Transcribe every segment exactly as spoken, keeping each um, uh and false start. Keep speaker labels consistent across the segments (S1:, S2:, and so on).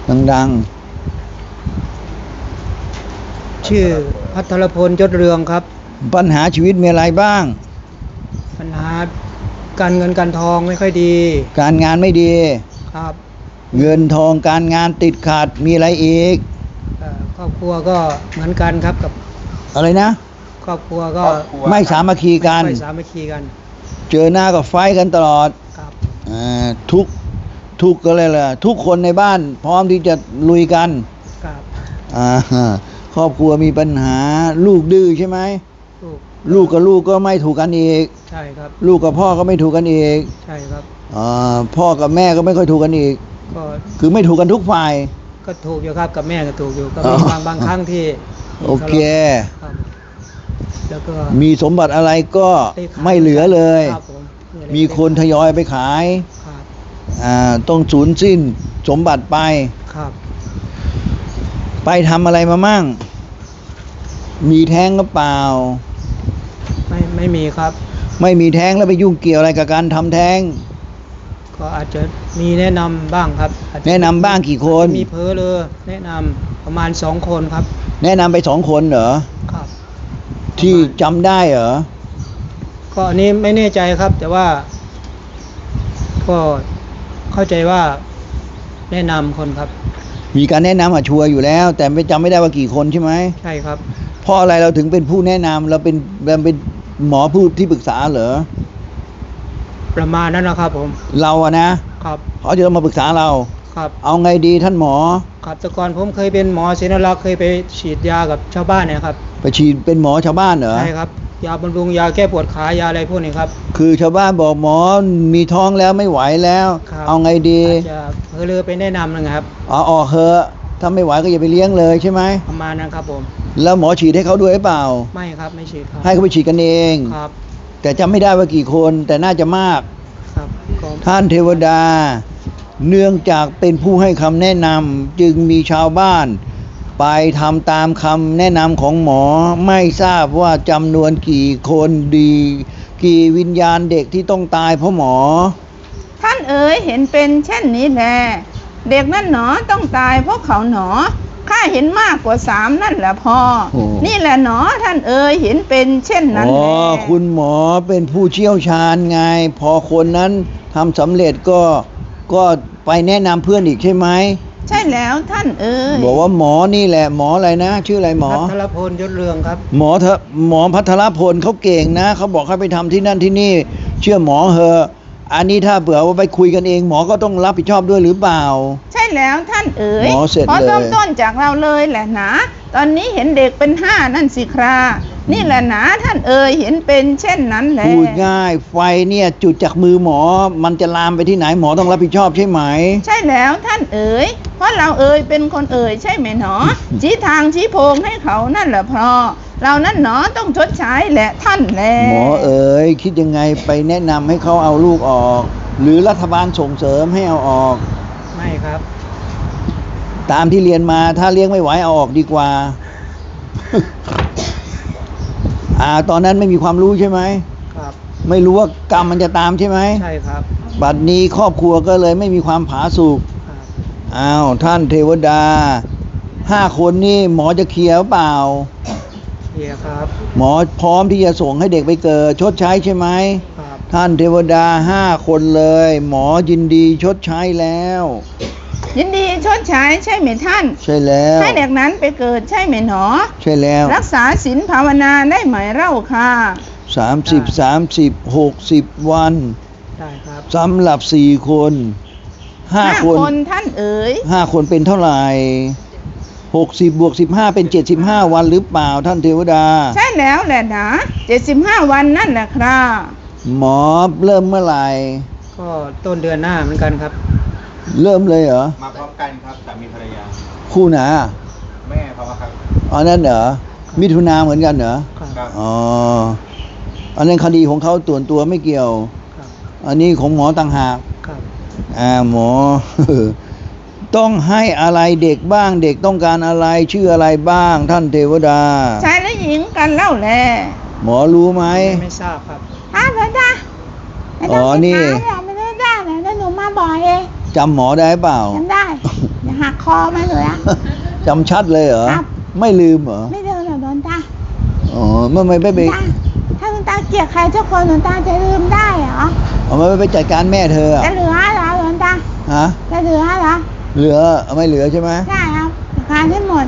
S1: ดัง
S2: ๆชื่อพัทรพลยศเรืองครับ
S1: ๆปัญหาชีวิตมีอะไรบ้าง
S2: ปัญหาการเงินการทองไม่ค่อยดี
S1: การงานไม่ดี
S2: ครับ
S1: เงินทองการงานติดขัดมีอะไรอีก
S2: ครอบครัวก็เหมือนกันครับกับ
S1: อะไรนะ
S2: ครอบครัวก็
S1: ไม่สามัคคีกัน
S2: ไม่สามัคคีกัน
S1: เจอหน้าก็ไฟกันตลอด
S2: ครับ
S1: ทุกทุกก็เลยล่ะทุกคนในบ้านพร้อมที่จะลุยกัน
S2: ครับ
S1: ครอบครัวมีปัญหาลูกดื้อใช่ไหมลูกลูกกับลูกก็ไม่ถูกกันอีก
S2: ใช่ครับ
S1: ลูกกับพ่อก็ไม่ถูกกันอีก
S2: ใช่ครับ
S1: พ่อกับแม่ก็ไม่ค่อยถูกกันอีกก็คือไม่ถูกกันทุกฝ่าย
S2: ก็ถูกอยู่ครับกับแม่ก็ถูกอยู่ก็มีบางบางครั้งที่
S1: โอเค
S2: แล้วก็
S1: มีสมบัติอะไรก็ไม่เหลือเลยมีคนทยอยไปขายต้องสูญสิ้นสมบัติไป
S2: ครับ
S1: ไปทำอะไรมามั่งมีแท้งหรือเปล่า
S2: ไม่ไม่มีครับ
S1: ไม่มีแท้งแล้วไปยุ่งเกี่ยวอะไรกับการทำแท้ง
S2: ก็อาจจะมีแนะนำบ้างครับ
S1: แนะนำบ้างกี่คน
S2: มีเพ้อเลยแนะนำประมาณสองคนครับ
S1: แนะนำไปสองคนเหรอ
S2: ครับ
S1: ที่จำได้เหรอ
S2: ก็อันนี้ไม่แน่ใจครับแต่ว่าก็เข้าใจว่าแนะนำคนครับ
S1: มีการแนะนำอ่ะชัวร์อยู่แล้วแต่ไม่จำไม่ได้ว่ากี่คนใช่ไหม
S2: ใช่ครับ
S1: เพราะอะไรเราถึงเป็นผู้แนะนำเราเป็นเราเป็นหมอผู้ที่ปรึกษาเหรอ
S2: ประมาณนั้นนะครับผม
S1: เราอะนะครับเขาจะมาปรึกษาเรา
S2: ครับ
S1: เอาไงดีท่านหมอ
S2: ครับแต่ก่อนผมเคยเป็นหมอศิลปลักษณ์เคยไปฉีดยากับชาวบ้านเนี่ยครับ
S1: ไปฉีดเป็นหมอชาวบ้านเหรอ
S2: ใช่ครับยาบำรุงยาแก้ปวดขายาอะไรพวกนี้ครับ
S1: คือชาวบ้านบอกหมอมีท้องแล้วไม่ไหวแล้วเอาไงดี
S2: จะเพอเลยไปแนะนำนะครับ
S1: อ๋อออกเหอะถ้าไม่ไหวก็อย่าไปเลี้ยงเลยใช่ไหม
S2: ประมาณนั้นครับผม
S1: แล้วหมอฉีดให้เขาด้วยหรือเปล่า
S2: ไม่ครับไม่ฉีดครับ
S1: ให้เขาไปฉีดกันเอง
S2: ครับ
S1: แต่จำไม่ได้ว่ากี่คนแต่น่าจะมาก
S2: ครับ
S1: ท่านเทวดาเนื่องจากเป็นผู้ให้คำแนะนำจึงมีชาวบ้านไปทำตามคำแนะนำของหมอไม่ทราบว่าจำนวนกี่คนดีกี่วิญญาณเด็กที่ต้องตายเพราะหมอ
S3: ท่านเอ๋ยเห็นเป็นเช่นนี้แลเด็กนั่นหนอต้องตายเพราะเขาหนอข้าเห็นมากกว่าสามนั่นแหละพ่อนี่แหละหนอท่านเอ๋ยเห็นเป็นเช่นนั้นแลอ๋อ
S1: คุณหมอเป็นผู้เชี่ยวชาญไงพอคนนั้นทำสำเร็จก็ก็ไปแนะนำเพื่อนอีกใช่ไหม
S3: ใช่แล้วท่านเอ๋ย
S1: บอกว่าหมอนี่แหละหมออะไรนะชื่ออะไรหมอ
S2: พัทรพลยศเรืองครับ
S1: หมอเถอะหมอพัทรพลเขาเก่งนะเขาบอกให้ไปทำที่นั่นที่นี่เชื่อหมอเหอะอันนี้ถ้าเผื่อว่าไปคุยกันเองหมอก็ต้องรับผิดชอบด้วยหรือเปล่า
S3: ใช่แล้วท่านเอ๋ย
S1: หมอเสร็จเลย
S3: ขอเริ่มต้นจากเราเลยแหละนะตอนนี้เห็นเด็กเป็นห้านั่นสิครานี่แหละนะท่านเอ๋ยเห็นเป็นเช่นนั้นแหละ
S1: พูดง่ายไฟเนี่ยจุดจากมือหมอมันจะลามไปที่ไหนหมอต้องรับผิดชอบใช่ไหม
S3: ใช่แล้วท่านเอ๋ยเพราะเราเอ๋ยเป็นคนเอ๋ยใช่ไหมหนอ ชี้ทางชี้โพงให้เขานั่นแหละพอเรานั่นหนอต้องชดใช้แหละท่านแล
S1: หมอเอ๋ยคิดยังไงไปแนะนำให้เขาเอาลูกออกหรือรัฐบาลส่งเสริมให้เอาออก
S2: ไม่ครับ
S1: ตามที่เรียนมาถ้าเลี้ยงไม่ไหวเอาออกดีกว่า อ่าตอนนั้นไม่มีความรู้ใช่ไหม
S2: ครับ
S1: ไม่รู้ว่ากรรมมันจะตามใช่ไหม
S2: ใช่ครับ
S1: บัดนี้ครอบครัวก็เลยไม่มีความผาสุกอ้าวท่านเทวดาห้าคนนี่หมอจะเคลียร์เปล่า
S2: เคลียร์ครับ
S1: หมอพร้อมที่จะส่งให้เด็กไปเกิดชดใช้ใช่ไหม
S2: ครับ
S1: ท่านเทวดาห้าคนเลยหมอยินดีชดใช้แล้ว
S3: ยินดีชดใช้ใช่ไหมท่าน
S1: ใช่แล้ว
S3: ให้เด็กนั้นไปเกิดใช่ไหมหนอ
S1: ใช่แล้ว
S3: รักษาศีลภาวนาได้ไหมเล่าค่ะ
S1: สามสิบสามสิบหกสิบวัน
S2: ได้ครับ
S1: สำหรับสี่คนห้าคน
S3: ท่านเอ๋ย
S1: ห้าคนเป็นเท่าไหร่หกสิบบวกสิบห้าเป็นเจ็ดสิบห้าวันหรือเปล่าท่านเทวดา
S3: ใช่แล้วแหละนะเจ็ดสิบห้าวันนั่นแหละครับ
S1: หมอเริ่มเมื่อไหร่
S2: ก็ต้นเดือนหน้าเหมือนกันครับ
S1: เริ่มเลยเหรอ
S4: มาพร้อมกันครับสามีภรรยา
S1: คู่ไหน
S4: แม่เขาครับ
S1: อ๋อนั่นเหรอมิถุนาเหมือนกันเหรอ
S2: ครับ
S1: อ๋ออันนั้นคดีของเขาตัวตัวไม่เกี่ยวอันนี้ของหมอต่างหาก
S2: ครับ
S1: อ่าหมอ ต้องให้อะไรเด็กบ้างเด็กต้องการอะไรชื่ออะไรบ้างท่านเทวดา
S3: ชายและหญิงกันเล่าแล
S1: หมอรู้ไหม
S2: ไม่ทราบครับ
S3: อ้าวจ้า
S1: อ๋อนี่
S3: ไม่ได้ได้แล้วหนูมาบ่อยเอง
S1: จำหมอได้เปล่า
S3: จำได้หักคอมาเลยอะ
S1: จำชัดเลยเหรอ
S3: ครับ
S1: ไม่ลืมเหรอ
S3: ไม่เดินหรอกหลวงตา
S1: อ๋อเมื่อไม่ไป
S3: หล
S1: ไป
S3: วงตาถ้าหลวงตาเกลียดใครเจ้าคนหลวงตาจะลืมได้เหรอ
S1: เอาไม่ไปจัดการแม่เธออะ
S3: จะเหลือเหรอหลวงตา
S1: ฮะ
S3: จะเหลือเหรอ
S1: เหลือไม่เหลือใช่ไหม
S3: ใช่ครับจัดการให้หมด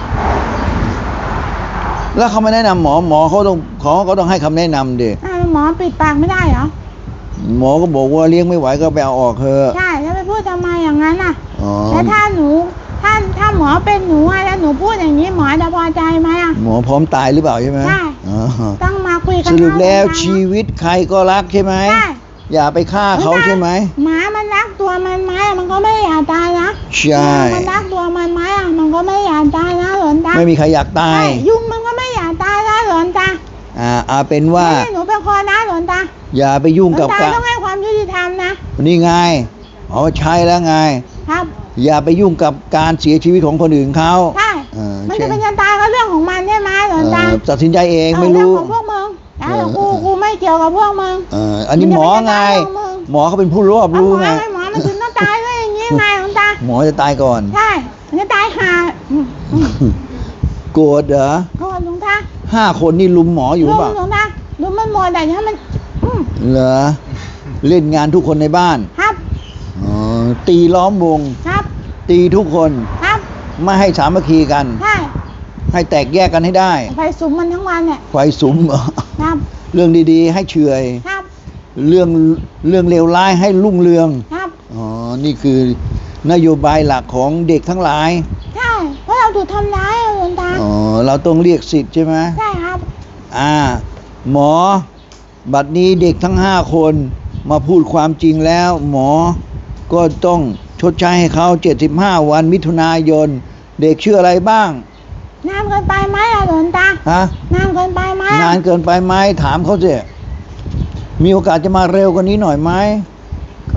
S1: แล้วเขาไม่แนะนำหมอหมอเขาต้องเขาก็ต้องให้คำแนะนำดิ
S3: อ้าวหมอปิดปากไม่ได้เหรอ
S1: หมอก็บอกว่าเลี้ยงไม่ไหวก็ไปเอาออกเถอะ
S3: ใช่แล้วไปพูดทำไมอย่างนั้นอ่ะ
S1: อ๋อ
S3: แล้วถ้าหนูถ้าถ้าหมอเป็นหนูอะแล้วหนูพูดอย่างนี้หมอจะพอใจไหมอ่ะ
S1: หมอพร้อมตายหรือเปล่าใช่ไหม
S3: ใช่
S1: อ๋อ
S3: ต้องมาคุยกัน
S1: สรุปแล้ว
S3: เอา
S1: ชีวิตใครก็รักใช่ไหม
S3: ใช่
S1: อย่าไปฆ่าเขาใช่ไหม
S3: หมามันรักตัวมันไหมอะมันก็ไม่อยากตายนะ
S1: ใช่
S3: มันรักตัวมันไหมอะมันก็ไม่อยากตายนะหลวงตา
S1: ไม่มีใครอยากตา
S3: ใช่
S1: ย
S3: ยุงมันก็ไม่อยากตายนะหลวงตา
S1: อ่าเอาเป็นว่า
S3: ไม่ให้หนูเป็นคนนะหลวงตา
S1: อย่าไปยุ่ง
S3: หลว
S1: กับ
S3: งตา
S1: การ
S3: ต้องให้ความยุติธรรมนะ
S1: นี่ไงเอาใช้แล้วไง
S3: ครับ
S1: อย่าไปยุ่งกับการเสียชีวิตของคนอื่นเขา
S3: ใช่
S1: เออ
S3: มัน
S1: ใช่
S3: จะเป็นจะตายก็เรื่องของมันใช่ไหมหลวงตา
S1: เออตัดสินใจเอง
S3: เอา
S1: ไม่
S3: เรื่
S1: รู้
S3: ของพวกมึงแล้ว
S1: เออ
S3: กูกูไม่เกี่ยวกับพวกมึง
S1: เอออันนี้หมอไง หมอเขาเป็นผู้รอบ
S3: เอา
S1: รู้
S3: หมอ
S1: ไง
S3: ให้หมอมันถึงต้องตายด้วยอย่างนี้ไงหลวงตา
S1: หมอจะตายก่อน
S3: ใช่มันจะตายห่าอืมอืม
S1: โกรธเหรอ
S3: โทษหลวงตา
S1: ห้าคนนี่ลุมหมออยู่
S3: ลุง
S1: เปล่า
S3: หลวงตาลุงมันหมดแต่ยังมันอืม
S1: เหรอเล่นงานทุกคนในบ้าน
S3: ครับ
S1: อ๋อตีล้อมวง
S3: ครับ
S1: ตีทุกคน
S3: ครับ
S1: ไม่ให้สามัคคีกัน
S3: ใช่
S1: ให้แตกแยกกันให้ได้
S3: ไปสุมมันทั้งวันเนี่ย
S1: ไฟสุมเหรอ
S3: ครับ
S1: เรื่องดีๆ ให้เฉอย
S3: ครับ
S1: เรื่องเรื่องเลวร้ายให้รุ่งเรือง
S3: ครับ
S1: อ๋อ นี่คือนโยบายหลักของเด็กทั้งหลาย
S3: ใช่เพราะเราถูกทำร้ายอะหลวงตา
S1: อ๋อ เราต้องเรียกสิทธิ์ใช่ไหม
S3: ใช่ครับ
S1: อ่า หมอ บัดนี้เด็กทั้งห้าคนมาพูดความจริงแล้ว หมอก็ต้องชดใช้ให้เขาเจ็ดสิบห้าวันมิถุนายน เด็กชื่ออะไรบ้าง
S3: นานเกินไปไหมอะหลวงตา
S1: ฮะ
S3: นานเกินไปไหมอะ
S1: นานเกินไปไหมถามเขาสิมีโอกาสจะมาเร็วกว่านี้หน่อยไหม
S2: ก็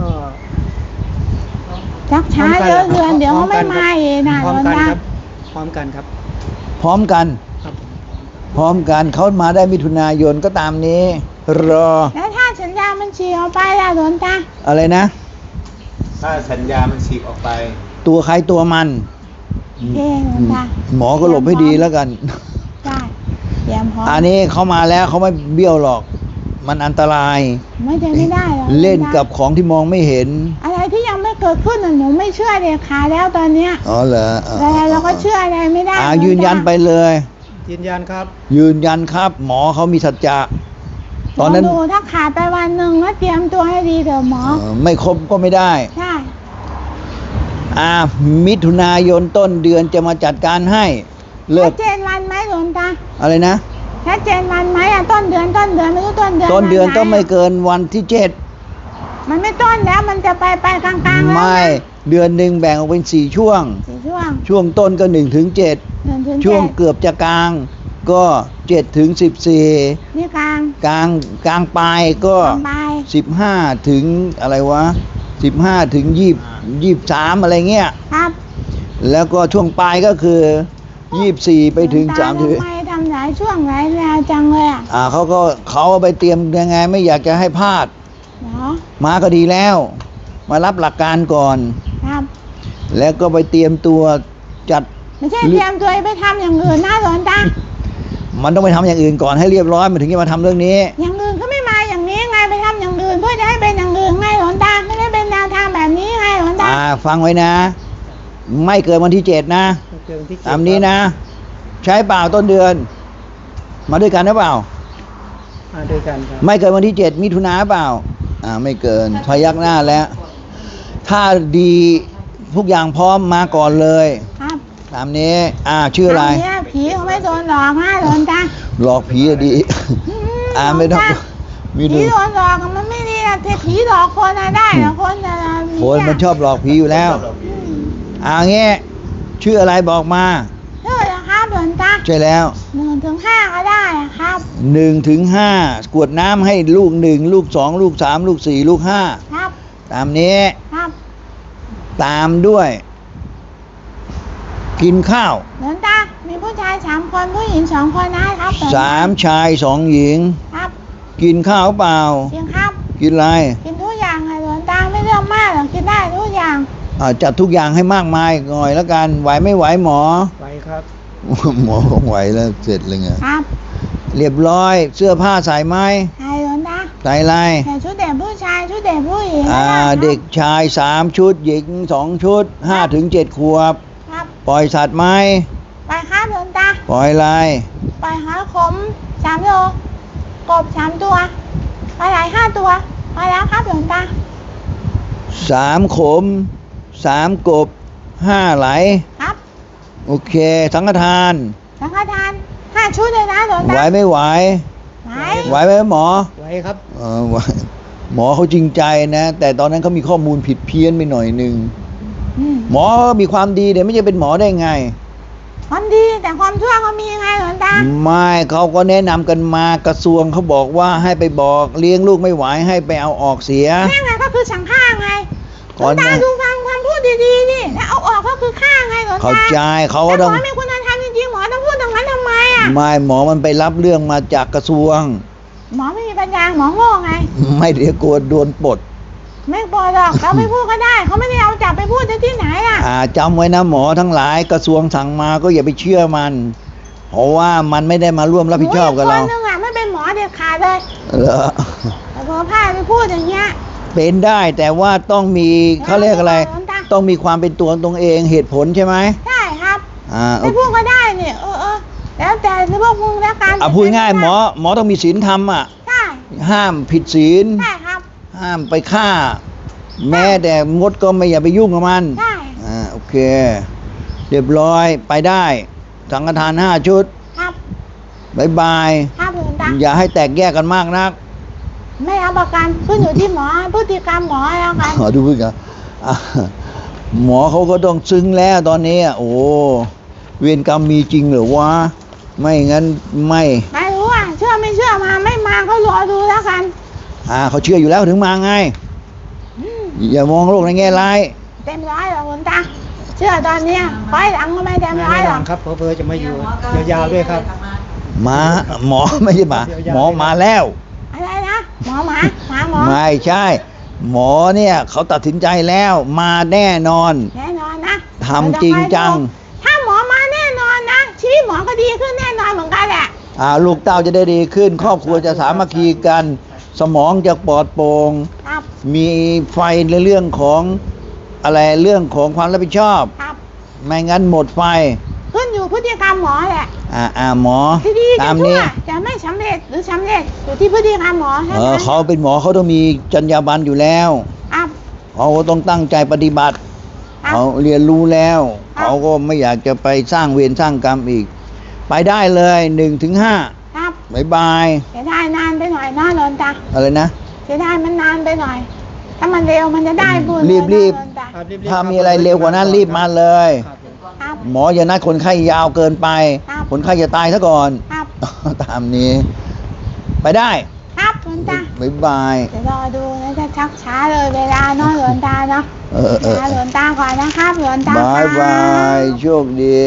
S3: ชักช้าเยอะเดือนเดี๋ยวเขาไม่มาเองนะ
S2: พ
S3: หล
S2: ร้อม
S3: วง
S2: กัน
S3: ตา
S2: ครับ พร้อมกันครับ
S1: พร้อมกัน
S2: ครับ
S1: พร้อมกันเขามาได้มิถุนายนก็ตามนี้ รอ
S3: แล้วถ้าสัญญามันฉีกออกไปล่ะหลวงตา
S1: อะไรนะ
S4: ถ้าสัญญามันฉีกออกไป
S1: ตัวใครตัวมัน
S3: เอ๊ะหลวงตา
S1: หมอก็หลบให้ดีแล้วกัน
S3: ได้เตรียมพร้อม
S1: อันนี้เขามาแล้วเขาไม่เบี้ยวหรอก มันอันตราย
S3: ไม่ได้ไม่ได้หรอก
S1: เล่นกับของที่มองไม่เห็น
S3: อะไรที่ยังไม่เกิดขึ้นน่ะหนูไม่เชื่อเด็ดขาดแล้วตอนเนี้ย
S1: อ๋อเหรออ๋อ
S3: แต่เราก็เชื่ออะไรไม่ได้
S1: อ่า
S3: หลวงตา
S1: ยืนยันไปเลย
S2: ยืนยันครับ
S1: ยืนยันครับ หมอเขามีสัจจะตอนนั้น
S3: ลงดูถ้าขาดไปวันหนึ่งก็เตรียมตัวให้ดีเถอะหมอ
S1: เอ่อไม่ครบก็ไม่ได้
S3: ใช่
S1: อ่า มิถุนายนต้นเดือนจะมาจัดการให้ เลิ
S3: ชั
S1: ก
S3: ดเจนวันไหมหลวงตา
S1: อะไรนะ
S3: ชัดเจนวันไหมอ่ะต้นเดือนต้นเดือนไม่รู้ต้นเดือน
S1: ต้นเดือน
S3: วัห
S1: ต้องไม่เกินวันที่เจ็ด
S3: มันไม่ต้นแล้วมันจะไปไปกลางๆแล้ว
S1: ไม่
S3: นะ
S1: เดือนหนึ่งแบ่งออกเป็นสี่ช่วง
S3: สี่ช่วง
S1: ช่วงต้นก็หนึ่งถึงเจ็ด
S3: เดือนถึง
S1: ช่วง
S3: เจ็ด
S1: เกือบจะกลาง ก็เจ็ดถึงสิบสี่
S3: นี่กลาง
S1: กลางกลางปลายก็
S3: กลางปลาย
S1: สิบห้าถึงอะไรวะสิบห้าถึงยี่ยี่สามอะไรเงี้ย
S3: ครับ
S1: แล้วก็ช่วงปลายก็คือยี่สี่ไปถึง
S3: หลว
S1: สาม
S3: ต
S1: ถึง
S3: ทำไมทำหลายช่วงหลายแนวจังเลยอ่ะ
S1: อ่าเขาก็เขาเอาไปเตรียมยังไงไม่อยากจะให้พลาด
S3: เนาะ
S1: มาก็ดีแล้ว มารับหลักการก่อน
S3: ครับ
S1: แล้วก็ไปเตรียมตัวจัด
S3: ไม่ใช่เตรียมตัวไปทำอย่างอื่นนะหลวงตา
S1: มันต้องไปทำอย่างอื่นก่อนให้เรียบร้อยมันถึงจะมาทำเรื่องนี้
S3: อย่างอื่นก็ไม่มาอย่างนี้ไงไปทำอย่างอื่นเพื่อจะให้เป็นอย่างอื่นไงหลวงตาไม่ได้เป็นแนวทางแบบนี้ไงหลวงตา
S1: อ่าฟังไว้นะ ไม่เกินวันที่เจ็ดนะ
S2: เกินที่เจ็ด
S1: ตามนี้นะ ใช้เปล่าต้นเดือน มาด้วยกันหรือเปล่า
S2: มาด้วยกันครับ
S1: ไม่เกินวันที่เจ็ดมิถุนาเปล่า อ่าไม่เกินพยักหน้าแล้ว ถ้าดีทุกอย่างพร้อมมาก่อนเลย
S3: ครับ
S1: ตามนี้ อ่าชื่ออะไร
S3: นนี้ผีเขาไม่โดนหลอกนะหลวงตา
S1: หลอกผีอะดี อ่าไม่ต้อง มี
S3: ผี
S1: ดู
S3: โดนหลอกอะมันไม่ดีนะแต่ผีหลอกคนอะได้นะคนอะ
S1: คนมันชอบหลอกผีอยู่แล้ว อ่าเงี้ยชื่ออะไรบอกมา
S3: เชื่อนะครับหลวงตา
S1: ใช่แล้ว
S3: หนึ่งถึงห้าก็ได้อะครับ
S1: หนึ่งถึงห้า กวดน้ำให้ลูกหนึ่งลูกสองลูกสามลูกสี่ลูกห้า
S3: ครับ
S1: ตามนี้
S3: ครับ
S1: ตามด้วย กินข้าว
S3: หลวงตา มีผู้ชายสามคนผู้หญิงสองคนนะครับหลวงต
S1: สามชายสองหญิง
S3: ครับ
S1: กินข้าวเปล่า
S3: จริงครับ
S1: กินอะไร
S3: กินทุกอย่างค่ะหลวงตาไม่เรื่องมากหรอกกินได้ทุกอย่าง
S1: ออ่าจัดทุกอย่างให้มากมายหน่อยแล้วกันไหวไม่ไหวหมอ
S2: ไว้ครับ
S1: หมอคงไหวแล้วเสร็จเลยไง
S3: ครับ
S1: เรียบร้อยเสื้อผ้าใส่ไหม
S3: ใช่หลวงตา
S1: ใส่อะไร
S3: ใส่ชุดเด็กผู้ชายชุดเด็กผู้หญิง
S1: อ่า
S3: ได้ครับ
S1: เด็กชายสามชุดหญิงสองชุดห้าถึงเจ็ดขวบ
S3: ครับ
S1: ปล่อยสัตว์ไหม
S3: ไปครับหลวงตา
S1: ปล่อยอะไร
S3: ไปหาขมสามโลกบสามตัวปลาไหลห้าตัวไปแล้วครับหลวงตา
S1: สามขมสามกบห้าไหล
S3: ครับ
S1: โอเคสังฆทาน
S3: สังฆทานห้าชุดเลยนะหลวง
S1: ไหว
S3: ตา
S1: ไม่ไหว
S3: ไหว
S1: ไหวไหมหมอ
S2: ไว้ครับ
S1: เออไหวหมอเขาจริงใจนะ แต่ตอนนั้นเขามีข้อมูลผิดเพี้ยนไปหน่อยหนึ่ง
S3: อืม
S1: หมอมีความดีเดี๋ยวไม่จะเป็นหมอได้ไง
S3: ความดีแต่ความชั่วก็มีไงหลวงตา
S1: ไม่เขาก็แนะนำกันมากระทรวงเขาบอกว่าให้ไปบอกเลี้ยงลูกไม่ไหวให้ไปเอาออกเสีย
S3: แม่ไงก็คือสั่งฆ่าไงหล
S1: ก่
S3: ว
S1: อง น
S3: ตา
S1: นะ
S3: ดูฟังความพูดดีๆนี่แล้วเอาออกก็คือฆ่าไงหลวงตา
S1: เข้าใจเขาก็
S3: แต่
S1: ต้อง
S3: หมอมีคุณธรรมจริงๆหมอต้องพูดตรงนั้นทำไมอ่ะ
S1: ไม่หมอมันไปรับเรื่องมาจากกระทรวง
S3: หมอไม่มีปัญญาหมอโง่ไง
S1: ไม่เดี๋ยวกลัวโดนปลด
S3: ไม่พอหรอกเราไม่พูดก็ได้เขาไม่ได้เอาจับไปพูดที่ไหนอ่ะ
S1: อ่าจำไว้นะหมอทั้งหลายกระทรวงสั่งมาก็อย่าไปเชื่อมัน เพราะว่ามันไม่ได้มาร่วมรับผิดชอบกับเรา
S3: หนูอีคนนึงอ่ะไม่เป็นหมอเด็ดขาดเลย
S1: เหรอ
S3: แต่พอพาไปพูดอย่างเงี้ย
S1: เป็นได้แต่ว่าต้องมีเขาเรียกอะไร
S3: หลวงตา
S1: ต้องมีความเป็นตัวของตัวเองเหตุผลใช่ไหม
S3: ใช่ครับ
S1: อ่า
S3: ไม่พูดก็ได้เนี่ยเออเออแล้วแต่ที่พวกมึงแล้วกัน
S1: อ่ะพูดง่ายหมอหมอต้องมีศีลธรรมอ่ะ
S3: ใช่
S1: ห้ามผิดศีล
S3: ใช่ครับ
S1: ห้ามไปฆ่า แม้แต่มดก็ไม่อย่าไปยุ่งกับมัน
S3: ใช่
S1: อ่าโอเค เรียบร้อยไปได้สังฆทานห้าชุด
S3: ครับ
S1: บายบาย
S3: ครับหลวงตา
S1: อย่าให้แตกแยกกันมากนัก
S3: ไม่เอาประกันขึ้นอยู่ที่หมอพฤติกรรมหมอแล้วกัน
S1: ขอดูเพื่อนกันอ่ะหมอเขาก็ต้องซึ้งแล้วตอนนี้อ่ะโอ้เวรกรรมมีจริงเหรือวะไม่งั้นไม่
S3: ไม่รู้อ่ะเชื่อไม่เชื่อมาไม่มาก็รอดูแล้วกัน
S1: อ่าเขาเชื่ออยู่แล้วถึงมาไง
S3: อืม
S1: อย่ามองโลกในแง่ร้าย
S3: เต็มร้อยหรอกหลวงตาเชื่อตอนเนี้ยคอยหลังก็ไม่เต็มร้อ
S2: แน่
S3: ยห
S2: น
S3: ร
S2: อ
S3: อน ก
S2: ครับเพอเพอจะมาอยู่ยาวๆด้วยครับ
S1: มาหมอไม่ใช่หมาหมอมาแล้ว
S3: อะไรนะหมอหมาหมาหมอ
S1: ไม่ใช่ หมอเนี่ยเขาตัดสินใจแล้วมาแน่นอน
S3: แน่นอนนะ
S1: ทำจริงจัง
S3: ถ้าหมอมาแน่นอนนะชีวิตหมอก็ดีขึ้นแน่นอนเหมือนกันแหละ
S1: อ่าลูกเต้าจะได้ดีขึ้น ครอบครัวจะสามัคคีกัน สมองจะปลอดโปร่ง
S3: ครับ
S1: มีไฟในเรื่องของอะไรเรื่องของความรับผิดชอบ
S3: ครับ
S1: ไม่งั้นหมดไฟ
S3: ขึ้นอยู่พฤติกรรมหมอแหละ
S1: อ่าอ่าหมอ
S3: ที่ดี
S1: ตา
S3: จะ
S1: ม
S3: ชั่
S1: นี้
S3: วจะไม่สำเร็จหรือสำเร็จอยู่ที่พฤติกรรมหมอเท่า
S1: เออ
S3: นั้น
S1: เขาเป็นหมอเขาต้องมีจรรยาบรรณอยู่แล้ว
S3: ครับ
S1: เขาก็ต้องตั้งใจปฏิบัติ
S3: ครับ
S1: เขาเรียนรู้แล้ว
S3: ครับ
S1: เขาก็ไม่อยากจะไปสร้างเวรสร้างกรรมอีก ไปได้เลยหนึ่งถึงห้า
S3: ครับ
S1: บายบาย
S3: เสียดายนานไปหน่อยนะหลวงตา
S1: อะไรนะ
S3: เสียดายมันนานไปหน่อย ถ้ามันเร็วมันจะได้บุญ
S1: รีบ
S3: เลยนะ
S1: รีบ
S3: หลวงตา
S2: ครับรีบๆ
S1: ถ้า
S2: คบ
S1: มีอะไรเร็วกว่านั้นรีบมาเลย
S2: ครับผม
S3: ครับ
S1: หมออย่านัดคนไข้ยาวเกินไป
S3: ครับ
S1: คนไข้จะตายซะก่อน
S3: ครับ
S1: ตามนี้ ไปได้
S3: ครับหลวงตา
S1: บายบาย
S3: เดี๋ยวรอดูนะจะชักช้าเลยเวลาเนาะหลวงตาเนาะ
S1: เออเออ
S3: ลาหลวงตาก่อนนะครับหลวงตา
S1: บาย
S3: ครับ
S1: าย โชคดี